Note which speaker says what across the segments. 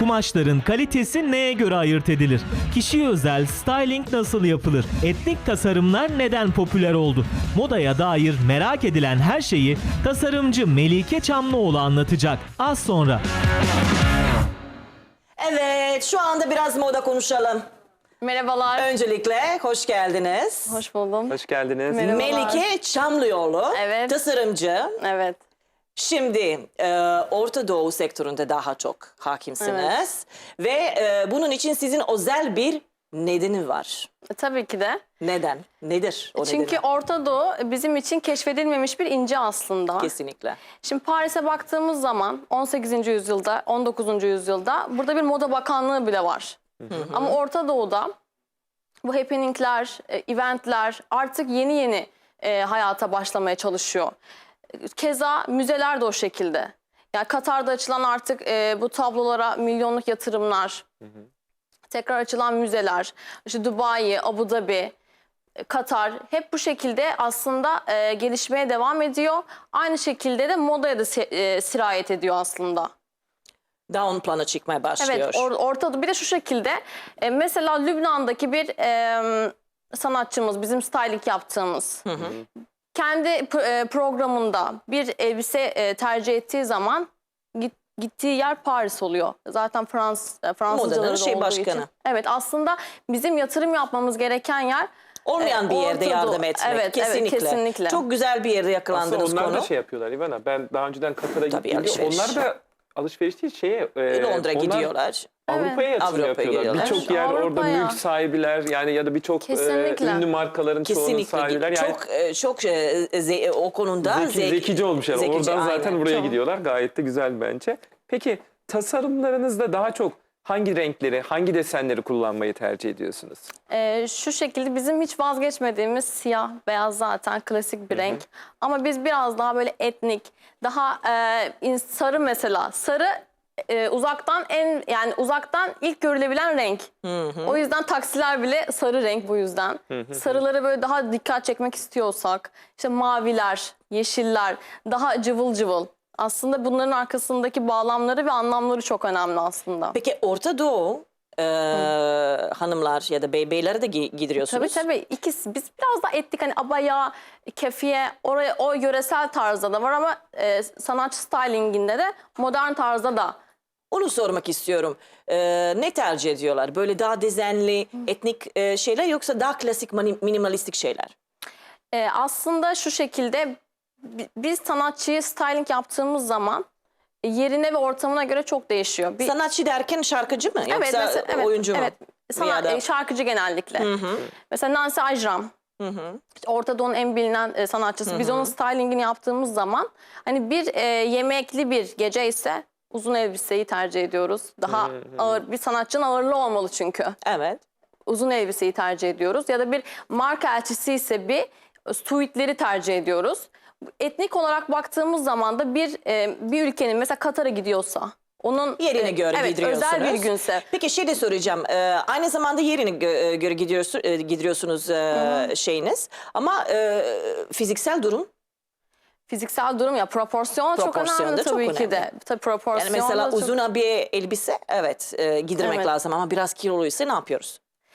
Speaker 1: Kumaşların kalitesi neye göre ayırt edilir? Kişiye özel styling nasıl yapılır? Etnik tasarımlar neden popüler oldu? Modaya dair merak edilen her şeyi tasarımcı Melike Çamlıoğlu anlatacak. Az sonra.
Speaker 2: Evet, şu anda biraz moda konuşalım.
Speaker 3: Merhabalar.
Speaker 2: Öncelikle hoş geldiniz.
Speaker 3: Hoş buldum.
Speaker 4: Hoş geldiniz.
Speaker 3: Merhabalar.
Speaker 2: Melike Çamlıoğlu,
Speaker 3: Evet.
Speaker 2: tasarımcı.
Speaker 3: Evet.
Speaker 2: Şimdi Orta Doğu sektöründe daha çok hakimsiniz. Ve bunun için sizin özel bir nedeni var.
Speaker 3: Tabii ki de.
Speaker 2: Neden? Nedir o
Speaker 3: Çünkü
Speaker 2: nedeni?
Speaker 3: Orta Doğu bizim için keşfedilmemiş bir ince aslında.
Speaker 2: Kesinlikle.
Speaker 3: Şimdi Paris'e baktığımız zaman 18. yüzyılda, 19. yüzyılda burada bir moda bakanlığı bile var. Ama Orta Doğu'da bu happeningler, eventler artık yeni yeni hayata başlamaya çalışıyor. Keza müzeler de o şekilde. Yani Katar'da açılan artık bu tablolara milyonluk yatırımlar, tekrar açılan müzeler, işte Dubai, Abu Dhabi, Katar hep bu şekilde aslında gelişmeye devam ediyor. Aynı şekilde de modaya da sirayet ediyor aslında.
Speaker 2: Daha ön plana çıkmaya başlıyor.
Speaker 3: Evet, ortada bir de şu şekilde mesela Lübnan'daki bir sanatçımız, bizim styling yaptığımız kendi programında bir elbise tercih ettiği zaman gittiği yer Paris oluyor. Zaten Fransızcaları da
Speaker 2: şey
Speaker 3: olduğu
Speaker 2: başkanı.
Speaker 3: için. Evet, aslında bizim yatırım yapmamız gereken yer
Speaker 2: Olmayan bir yerde
Speaker 3: Orta
Speaker 2: yardım
Speaker 3: Doğu.
Speaker 2: etmek.
Speaker 3: Evet,
Speaker 2: kesinlikle.
Speaker 3: evet, kesinlikle.
Speaker 2: Çok güzel bir yerde yakalandınız
Speaker 4: Aslında onlar
Speaker 2: konu.
Speaker 4: da şey yapıyorlar İvana. Ben daha önceden Katar'a gittim.
Speaker 2: alışveriş.
Speaker 4: Onlar da alışveriş değil
Speaker 2: Londra
Speaker 4: onlar
Speaker 2: gidiyorlar.
Speaker 4: Avrupa'ya yatırım
Speaker 2: Avrupa'ya
Speaker 4: yapıyorlar.
Speaker 2: gidiyorlar.
Speaker 4: Birçok yer orada
Speaker 3: Avrupa'ya.
Speaker 4: mülk sahibiler yani ya da birçok
Speaker 3: Kesinlikle.
Speaker 4: ünlü markaların çoğunun
Speaker 2: Kesinlikle.
Speaker 4: sahibiler. Yani
Speaker 2: Çok o konuda
Speaker 4: zekice olmuşlar.
Speaker 2: zekice,
Speaker 4: Oradan zaten
Speaker 2: aynen.
Speaker 4: buraya
Speaker 3: Çok.
Speaker 4: gidiyorlar. Gayet de güzel bence. Peki tasarımlarınızda daha çok hangi renkleri, hangi desenleri kullanmayı tercih ediyorsunuz?
Speaker 3: Şu şekilde bizim hiç vazgeçmediğimiz siyah, beyaz zaten klasik bir renk. Ama biz biraz daha böyle etnik, daha sarı mesela. Sarı uzaktan ilk görülebilen renk. O yüzden taksiler bile sarı renk bu yüzden. Sarıları böyle daha dikkat çekmek istiyorsak, işte maviler, yeşiller, daha cıvıl cıvıl. Aslında bunların arkasındaki bağlamları ve anlamları çok önemli aslında.
Speaker 2: Peki Orta Doğu hanımlar ya da beyleri de giydiriyorsunuz.
Speaker 3: Tabii ikisi. Biz biraz daha ettik hani abaya, kefiye oraya o yöresel tarzda da var ama sanatçı stylinginde de modern tarzda da.
Speaker 2: Onu sormak istiyorum. Ne tercih ediyorlar? Böyle daha dezenli, etnik şeyler yoksa daha klasik minimalistik şeyler?
Speaker 3: Aslında şu şekilde biz sanatçıyı styling yaptığımız zaman yerine ve ortamına göre çok değişiyor.
Speaker 2: Sanatçı derken şarkıcı mı?
Speaker 3: Evet,
Speaker 2: Yoksa
Speaker 3: mesela,
Speaker 2: oyuncu mu?
Speaker 3: Evet, şarkıcı genellikle. Mesela Nancy Ajram. İşte Orta Doğu'nun en bilinen sanatçısı. Biz onun stylingini yaptığımız zaman hani bir yemekli bir gece ise uzun elbiseyi tercih ediyoruz. Daha ağır bir sanatçının ağırlığı olmalı çünkü.
Speaker 2: Evet.
Speaker 3: Uzun elbiseyi tercih ediyoruz. Ya da bir marka elçisi ise bir suitleri tercih ediyoruz. Etnik olarak baktığımız zaman da bir ülkenin mesela Katar'a gidiyorsa onun
Speaker 2: Yerine göre giydiriyorsunuz.
Speaker 3: özel bir günse.
Speaker 2: Peki şey de soracağım. Aynı zamanda yerine göre giydiriyorsunuz şeyiniz. Ama fiziksel durum?
Speaker 3: Fiziksel durum ya proporsiyon çok önemli
Speaker 2: da çok
Speaker 3: tabii ki de.
Speaker 2: önemli.
Speaker 3: Tabii proporsiyon
Speaker 2: Yani mesela
Speaker 3: da çok...
Speaker 2: uzun bir elbise giydirmek
Speaker 3: Evet.
Speaker 2: lazım ama biraz kiloluysa ne yapıyoruz?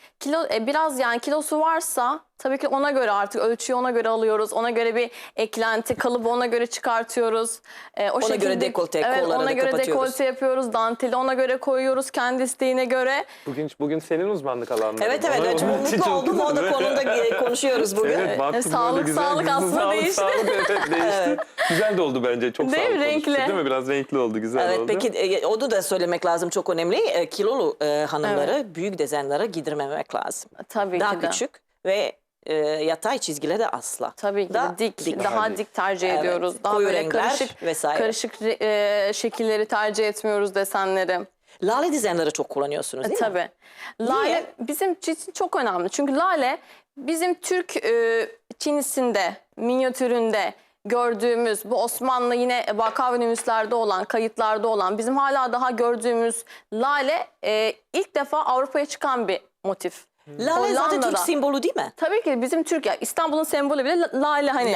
Speaker 3: Biraz yani kilosu varsa tabii ki ona göre artık ölçüyü ona göre alıyoruz. Ona göre bir eklenti, kalıbı ona göre çıkartıyoruz.
Speaker 2: Ona göre dekolte, kolları
Speaker 3: ona
Speaker 2: da
Speaker 3: göre
Speaker 2: kapatıyoruz.
Speaker 3: dekolte yapıyoruz. Danteli ona göre koyuyoruz kendi isteğine göre.
Speaker 4: Bugün senin uzmanlık alanların.
Speaker 2: Evet çok mutlu oldum. O da konuda konuşuyoruz bugün.
Speaker 4: Evet, baktım
Speaker 3: Sağlık,
Speaker 4: böyle güzel.
Speaker 3: sağlık aslında değişti.
Speaker 4: Sağlık evet değişti. Güzel de oldu bence. Çok
Speaker 3: Değil mi?
Speaker 4: sağlıklı
Speaker 3: Renkli.
Speaker 4: oluştu, değil mi? Biraz renkli oldu, güzel
Speaker 2: Evet,
Speaker 4: oldu.
Speaker 2: peki onu da söylemek lazım, çok önemli. Kilolu hanımları büyük dezenlere giydirmemek lazım.
Speaker 3: Tabii
Speaker 2: Daha
Speaker 3: ki de.
Speaker 2: küçük ve yatay çizgileri de asla.
Speaker 3: Tabii ki
Speaker 2: Daha
Speaker 3: de dik, daha dik tercih
Speaker 2: Evet,
Speaker 3: ediyoruz. Daha
Speaker 2: koyu
Speaker 3: böyle
Speaker 2: renkler vesaire.
Speaker 3: karışık şekilleri tercih etmiyoruz, desenleri.
Speaker 2: Lale dezenleri çok kullanıyorsunuz değil mi?
Speaker 3: Tabii. Lale
Speaker 2: Niye?
Speaker 3: bizim için çok önemli. Çünkü lale bizim Türk çinisinde, minyatüründe gördüğümüz bu Osmanlı yine vaka ve nümuslerde olan, kayıtlarda olan bizim hala daha gördüğümüz lale ilk defa Avrupa'ya çıkan bir motif.
Speaker 2: Lale zaten Türk
Speaker 3: Hollanda'da.
Speaker 2: sembolü değil mi?
Speaker 3: Tabii ki bizim Türk, İstanbul'un sembolü bile lale hani.
Speaker 2: Lale.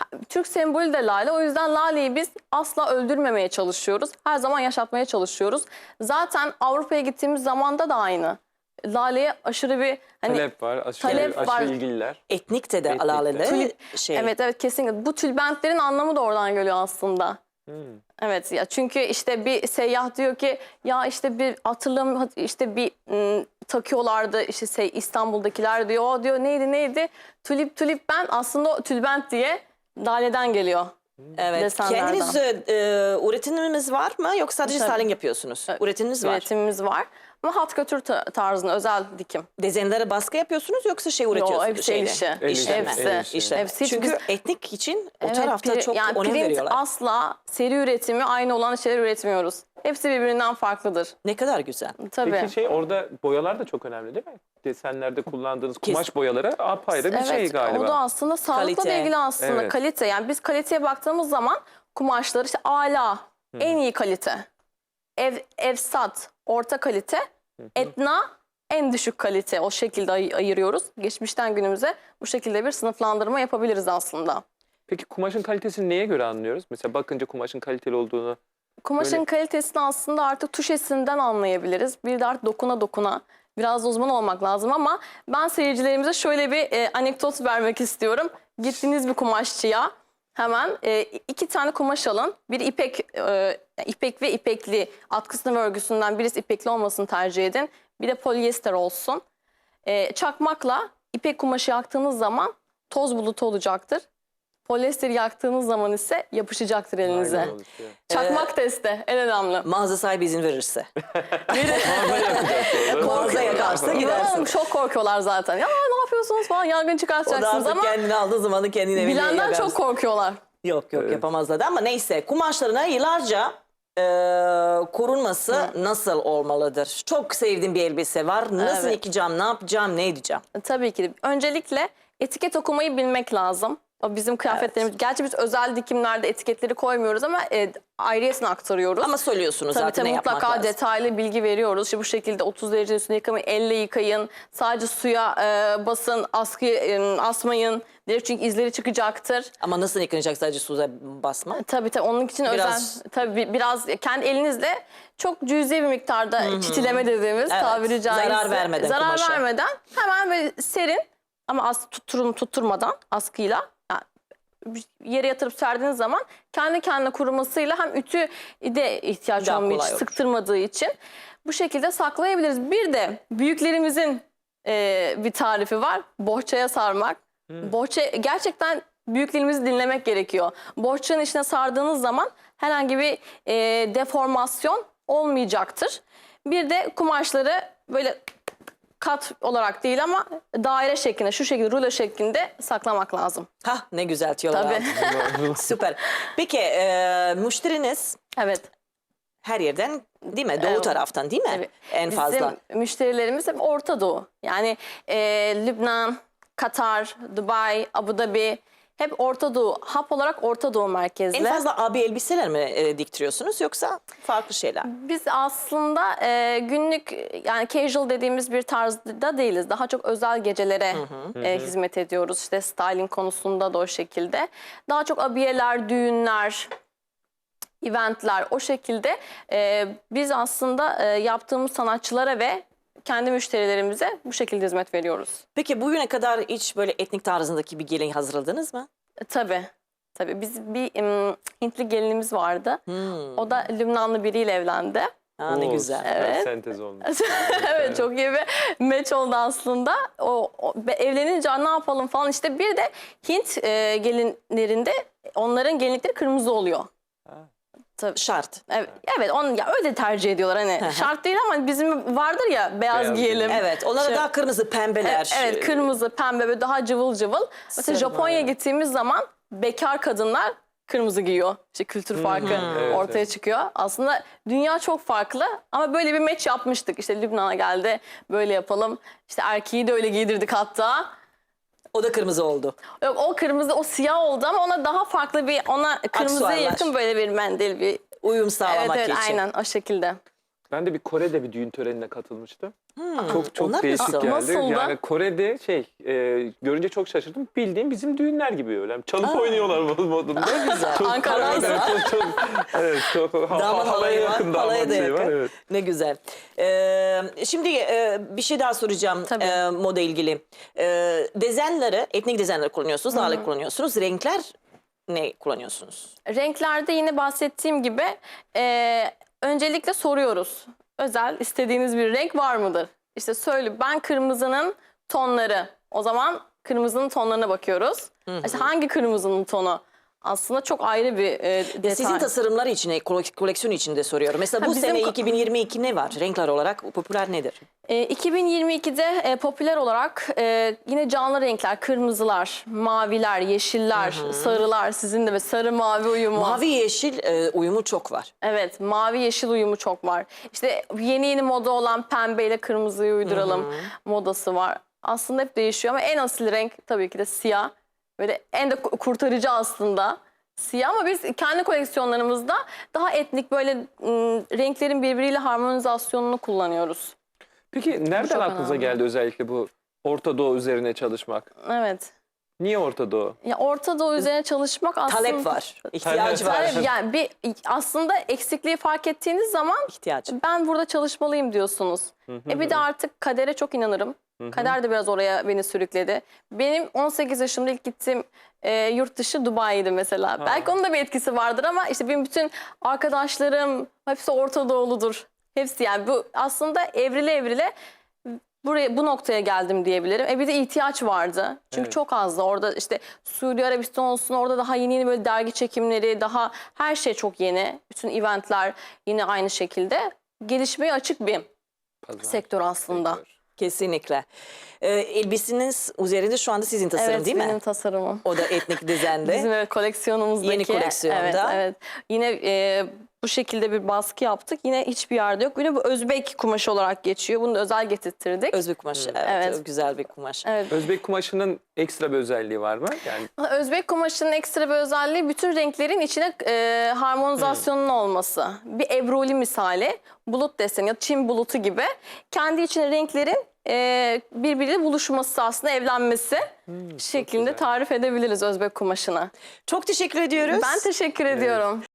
Speaker 3: Türk sembolü de lale. O yüzden laleyi biz asla öldürmemeye çalışıyoruz. Her zaman yaşatmaya çalışıyoruz. Zaten Avrupa'ya gittiğimiz zamanda da aynı. Laleye aşırı bir hani
Speaker 4: Talep var, aşırı,
Speaker 3: talep
Speaker 4: aşırı
Speaker 3: var.
Speaker 4: ilgililer.
Speaker 2: Etnik de
Speaker 4: Etnik de.
Speaker 2: lale şey.
Speaker 3: Evet kesinlikle. Bu tülbentlerin anlamı da oradan geliyor aslında. Evet ya, çünkü işte bir seyyah diyor ki ya işte bir hatırlam işte bir takıyorlardı işte İstanbul'dakiler diyor. O diyor neydi? Tulip ben aslında o tülbent diye laleden geliyor.
Speaker 2: Evet.
Speaker 3: Desenlerden.
Speaker 2: Kendiniz üretiminiz var mı yoksa sadece
Speaker 3: Tabii.
Speaker 2: styling yapıyorsunuz? Üretiminiz var.
Speaker 3: Üretimimiz var. Ama hat götür tarzında özel dikim.
Speaker 2: Dezenlere baskı yapıyorsunuz yoksa şey üretiyorsunuz?
Speaker 3: hepsi el işi.
Speaker 4: El işi.
Speaker 2: İşleme.
Speaker 3: Hepsi.
Speaker 2: İşleme.
Speaker 3: Hepsi.
Speaker 2: Çünkü
Speaker 3: Biz-
Speaker 2: etnik için o
Speaker 3: Evet,
Speaker 2: tarafta çok
Speaker 3: yani
Speaker 2: önem
Speaker 3: print
Speaker 2: veriyorlar.
Speaker 3: asla seri üretimi aynı olan şeyler üretmiyoruz. Hepsi birbirinden farklıdır.
Speaker 2: Ne kadar güzel.
Speaker 3: Tabii.
Speaker 4: Peki orada boyalar da çok önemli değil mi? Desenlerde kullandığınız kumaş boyaları apayrı bir şey galiba.
Speaker 3: O da aslında sağlıkla da
Speaker 2: Kalite.
Speaker 3: ilgili aslında
Speaker 4: Evet.
Speaker 3: kalite. Yani biz kaliteye baktığımız zaman kumaşları işte ala, en iyi kalite. Efsat, orta kalite. Etna, en düşük kalite. O şekilde ayırıyoruz. Geçmişten günümüze bu şekilde bir sınıflandırma yapabiliriz aslında.
Speaker 4: Peki kumaşın kalitesini neye göre anlıyoruz? Mesela bakınca kumaşın kaliteli olduğunu.
Speaker 3: Kumaşın
Speaker 4: Böyle-
Speaker 3: kalitesini aslında artık tuşesinden anlayabiliriz. Bir de artık dokuna. Biraz da uzman olmak lazım ama ben seyircilerimize şöyle bir anekdot vermek istiyorum. Gittiğiniz bir kumaşçıya hemen 2 tane kumaş alın. Bir ipek ve ipekli, atkısından ve örgüsünden birisi ipekli olmasını tercih edin. Bir de polyester olsun. Çakmakla ipek kumaşı yaktığınız zaman toz bulutu olacaktır. Polyesteri yaktığınız zaman ise yapışacaktır elinize.
Speaker 4: Aynen oluşuyor.
Speaker 3: Çakmak testi en önemli.
Speaker 2: Mağaza sahibi izin verirse.
Speaker 4: Mağaza yapacağız sonra.
Speaker 2: Mağaza yakarsa gidersin.
Speaker 3: Çok korkuyorlar zaten. Ya ne yapıyorsunuz falan, yangın
Speaker 2: O da
Speaker 3: çıkartacaksınız
Speaker 2: artık
Speaker 3: ama
Speaker 2: kendini aldığı zamanı kendine evine
Speaker 3: bilenden
Speaker 2: yakarsın.
Speaker 3: çok korkuyorlar.
Speaker 2: Yok yapamazlar da ama neyse kumaşlarına yıllarca korunması nasıl olmalıdır? Çok sevdiğim bir elbise var. Nasıl
Speaker 3: Evet.
Speaker 2: yıkayacağım, ne yapacağım, ne edeceğim?
Speaker 3: Tabii ki. Öncelikle etiket okumayı bilmek lazım. O bizim kıyafetlerimiz. Gerçi biz özel dikimlerde etiketleri koymuyoruz ama ayrıyesine aktarıyoruz.
Speaker 2: Ama söylüyorsunuz
Speaker 3: Tabii
Speaker 2: zaten ne yapmak
Speaker 3: mutlaka
Speaker 2: lazım.
Speaker 3: detaylı bilgi veriyoruz. İşte bu şekilde 30 derece üstünde yıkamayın, elle yıkayın. Sadece suya basın, asmayın. Çünkü izleri çıkacaktır.
Speaker 2: Ama nasıl yıkanacak sadece suya basma?
Speaker 3: Tabii onun için
Speaker 2: Biraz-
Speaker 3: biraz kendi elinizle çok cüzi bir miktarda çitileme dediğimiz
Speaker 2: Evet,
Speaker 3: tabiri caizse.
Speaker 2: zarar vermeden
Speaker 3: Zarar
Speaker 2: kumaşa.
Speaker 3: vermeden hemen böyle serin ama tutturmadan askıyla yere yatırıp serdiğiniz zaman kendi kendine kurumasıyla hem ütü de ihtiyaç
Speaker 2: Daha
Speaker 3: olmuyor, hiç
Speaker 2: kolay olur.
Speaker 3: sıktırmadığı için bu şekilde saklayabiliriz. Bir de büyüklerimizin bir tarifi var. Bohçaya sarmak. Bohça gerçekten büyüklerimizi dinlemek gerekiyor. Bohçanın içine sardığınız zaman herhangi bir deformasyon olmayacaktır. Bir de kumaşları böyle kat olarak değil ama daire şeklinde, şu şekilde rulo şeklinde saklamak lazım.
Speaker 2: Hah ne güzel tüyolar
Speaker 3: Tabii.
Speaker 2: aldım. Süper. Peki müşteriniz
Speaker 3: Evet.
Speaker 2: her yerden değil mi? Doğu
Speaker 3: Evet.
Speaker 2: taraftan değil mi?
Speaker 3: Tabii.
Speaker 2: En fazla.
Speaker 3: Bizim müşterilerimiz hep Orta Doğu. Yani Lübnan, Katar, Dubai, Abu Dhabi hep Orta Doğu. Hap olarak Orta Doğu merkezli.
Speaker 2: En fazla abi elbiseler mi diktiriyorsunuz yoksa farklı şeyler?
Speaker 3: Biz aslında günlük yani casual dediğimiz bir tarzda değiliz. Daha çok özel gecelere hizmet ediyoruz. İşte styling konusunda da o şekilde. Daha çok abiyeler, düğünler, eventler o şekilde biz aslında yaptığımız sanatçılara ve kendi müşterilerimize bu şekilde hizmet veriyoruz.
Speaker 2: Peki bugüne kadar hiç böyle etnik tarzındaki bir gelin hazırladınız mı?
Speaker 3: Tabii. Tabii biz bir Hintli gelinimiz vardı. O da Lübnanlı biriyle evlendi.
Speaker 2: Ha, ne
Speaker 4: Oo,
Speaker 2: güzel.
Speaker 4: süper
Speaker 3: Evet.
Speaker 4: sentez olmuş.
Speaker 3: Evet çok iyi bir match oldu aslında. Evlenince ne yapalım falan işte bir de Hint gelinlerinde onların gelinlikleri kırmızı oluyor. Tabii.
Speaker 2: Şart.
Speaker 3: Evet ya öyle tercih ediyorlar hani şart değil ama bizim vardır ya beyaz
Speaker 4: Beyaz
Speaker 3: giyelim.
Speaker 2: Evet. Onlara
Speaker 3: Şey-
Speaker 2: daha kırmızı, pembeler.
Speaker 3: Evet kırmızı, pembe böyle daha cıvıl cıvıl. Mesela
Speaker 2: Sarı.
Speaker 3: Japonya'ya gittiğimiz zaman bekar kadınlar kırmızı giyiyor. İşte kültür farkı
Speaker 4: Evet,
Speaker 3: ortaya
Speaker 4: evet.
Speaker 3: çıkıyor. Aslında dünya çok farklı ama böyle bir match yapmıştık. İşte Lübnan'a geldi böyle yapalım. İşte erkeği de öyle giydirdik hatta.
Speaker 2: O da kırmızı oldu.
Speaker 3: Yok o kırmızı o siyah oldu ama ona daha farklı bir ona kırmızıya
Speaker 2: Aksuarlar.
Speaker 3: yakın böyle bir mendil bir.
Speaker 2: Uyum
Speaker 3: Evet
Speaker 2: sağlamak
Speaker 3: evet
Speaker 2: için.
Speaker 3: aynen o şekilde.
Speaker 4: Ben de bir Kore'de bir düğün törenine katılmıştım. Çok
Speaker 2: Onlar
Speaker 4: değişik
Speaker 2: nasıl?
Speaker 4: geldi.
Speaker 3: Nasıldı?
Speaker 4: Yani Kore'de görünce çok şaşırdım. Bildiğim bizim düğünler gibi öyle. Çalıp oynuyorlar modunda.
Speaker 2: güzel.
Speaker 4: Çok,
Speaker 3: Ankara'da
Speaker 4: evet, evet, çok
Speaker 2: Damat
Speaker 4: halaya
Speaker 2: halayı var,
Speaker 4: yakın
Speaker 2: halaya
Speaker 4: damat
Speaker 2: da
Speaker 4: şeyi var.
Speaker 2: yakın.
Speaker 4: Evet.
Speaker 2: Ne güzel. Şimdi bir şey daha soracağım
Speaker 3: Tabii.
Speaker 2: moda ilgili. Dezenleri, etnik dezenleri kullanıyorsunuz, ağırlık kullanıyorsunuz. Renkler ne kullanıyorsunuz?
Speaker 3: Renklerde yine bahsettiğim gibi öncelikle soruyoruz. Özel istediğiniz bir renk var mıdır? İşte söyle, ben kırmızının tonları. O zaman kırmızının tonlarına bakıyoruz. İşte hangi kırmızının tonu? Aslında çok ayrı bir detay.
Speaker 2: Sizin tasarımlar için, koleksiyon için de soruyorum. Mesela bu
Speaker 3: bizim
Speaker 2: sene 2022 ne var? Renkler olarak popüler nedir?
Speaker 3: 2022'de popüler olarak yine canlı renkler, kırmızılar, maviler, yeşiller, sarılar, sizin de sarı mavi uyumu.
Speaker 2: Mavi yeşil uyumu çok var.
Speaker 3: Evet, mavi yeşil uyumu çok var. İşte yeni moda olan pembeyle kırmızıyı uyduralım modası var. Aslında hep değişiyor ama en asil renk tabii ki de siyah. Böyle en de kurtarıcı aslında siyah, ama biz kendi koleksiyonlarımızda daha etnik böyle renklerin birbiriyle harmonizasyonunu kullanıyoruz.
Speaker 4: Peki nereden
Speaker 3: çok
Speaker 4: aklınıza
Speaker 3: önemli.
Speaker 4: geldi özellikle bu Orta Doğu üzerine çalışmak?
Speaker 3: Evet.
Speaker 4: Niye Orta Doğu?
Speaker 3: Ya Orta Doğu üzerine çalışmak aslında
Speaker 2: Talep var, ihtiyaç
Speaker 4: Talep
Speaker 2: var.
Speaker 3: Evet, yani aslında eksikliği fark ettiğiniz zaman
Speaker 2: İhtiyaç.
Speaker 3: ben burada çalışmalıyım diyorsunuz. Bir de artık kadere çok inanırım. Kader de biraz oraya beni sürükledi. Benim 18 yaşımda ilk gittiğim yurt dışı Dubai'ydi mesela. Belki onun da bir etkisi vardır ama işte benim bütün arkadaşlarım hepsi Orta Doğuludur. Hepsi, yani bu aslında evrile bu noktaya geldim diyebilirim. Bir de ihtiyaç vardı. Çünkü
Speaker 4: Evet.
Speaker 3: çok azdı. Orada işte Suudi Arabistan olsun, orada daha yeni böyle dergi çekimleri, daha her şey çok yeni. Bütün eventler yine aynı şekilde. Gelişmeye açık bir
Speaker 4: Pazar,
Speaker 3: sektör aslında.
Speaker 4: sektör.
Speaker 2: Kesinlikle. Elbiseniz üzerinde şu anda sizin tasarım
Speaker 3: Evet,
Speaker 2: değil
Speaker 3: benim
Speaker 2: mi?
Speaker 3: tasarımım.
Speaker 2: O da etnik dizende.
Speaker 3: Bizim koleksiyonumuzdaki.
Speaker 2: Yeni koleksiyonda.
Speaker 3: Evet, evet. Yine bu şekilde bir baskı yaptık. Yine hiçbir yerde yok. Yine bu Özbek kumaşı olarak geçiyor. Bunu da özel getirttirdik.
Speaker 2: Özbek kumaşı. Evet,
Speaker 3: Evet.
Speaker 2: çok güzel bir kumaş.
Speaker 3: Evet.
Speaker 4: Özbek kumaşının ekstra bir özelliği var mı? Yani
Speaker 3: Özbek kumaşının ekstra bir özelliği bütün renklerin içine harmonizasyonun olması. Bir ebruli misali, bulut deseni ya Çin bulutu gibi kendi içine renklerin birbiriyle buluşması, aslında evlenmesi şeklinde
Speaker 4: güzel.
Speaker 3: tarif edebiliriz Özbek kumaşını.
Speaker 2: Çok teşekkür ediyoruz.
Speaker 3: Ben teşekkür ediyorum.